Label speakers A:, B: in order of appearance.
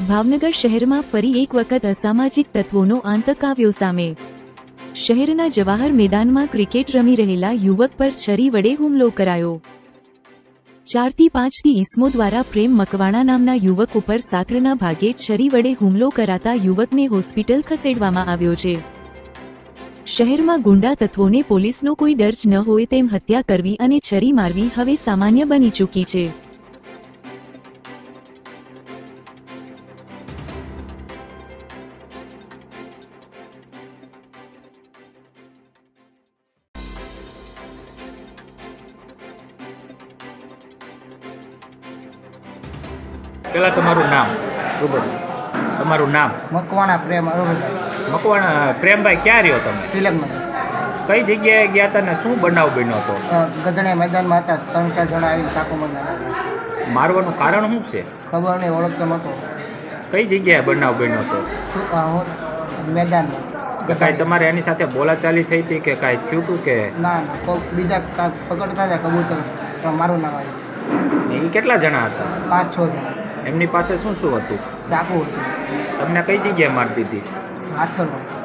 A: ભાવનગર શહેરમાં ફરી એક વખત અસામાજિક તત્વોનો આતંક આવ્યો સામે। શહેરના જવાહર મેદાનમાં ક્રિકેટ રમી રહેલા યુવક પર છરી વડે હુમલો કરાયો। 4 થી 5 ઈસમો દ્વારા પ્રેમ મકવાણા નામના યુવક ઉપર સાંકળના ભાગે છરી વડે હુમલો કરાતા યુવકને હોસ્પિટલ ખસેડવામાં આવ્યો છે। શહેરમાં ગુંડા તત્વોને પોલીસનો કોઈ ડર જ ન હોય તેમ હત્યા કરવી અને છરી મારવી હવે સામાન્ય બની ચૂકી છે।
B: પેલા તમારું નામ? તમારું નામ?
C: મકવાણા પ્રેમ અરુણભાઈ।
B: મકવાણા પ્રેમભાઈ, ક્યાં રહ્યો તમે?
C: તિલકનગર।
B: કઈ જગ્યાએ ગયા હતા ને શું બનાવ બન્યો હતો?
C: ગધણે મેદાનમાં હતા, 3-4 જણા આવીને ચાકુ મારતા હતા।
B: મારવાનું કારણ શું છે?
C: ખબર નહીં, ઓળખતો નહોતો।
B: કઈ જગ્યાએ બનાવ બન્યો હતો?
C: મેદાનમાં।
B: કાંઈ તમારે એની સાથે બોલાચાલી થઈ હતી કે કાંઈ થયું હતું કે?
C: ના ના, કોક બીજા પકડતા હતા કબૂતર, તો મારું નામ આવ્યું।
B: એ કેટલા જણા હતા?
C: 5-6 જણા।
B: એમની પાસે શું શું હતું?
C: ચાકુ હતું।
B: તમને કઈ જગ્યાએ મારતી હતી?
C: હાથરમાં।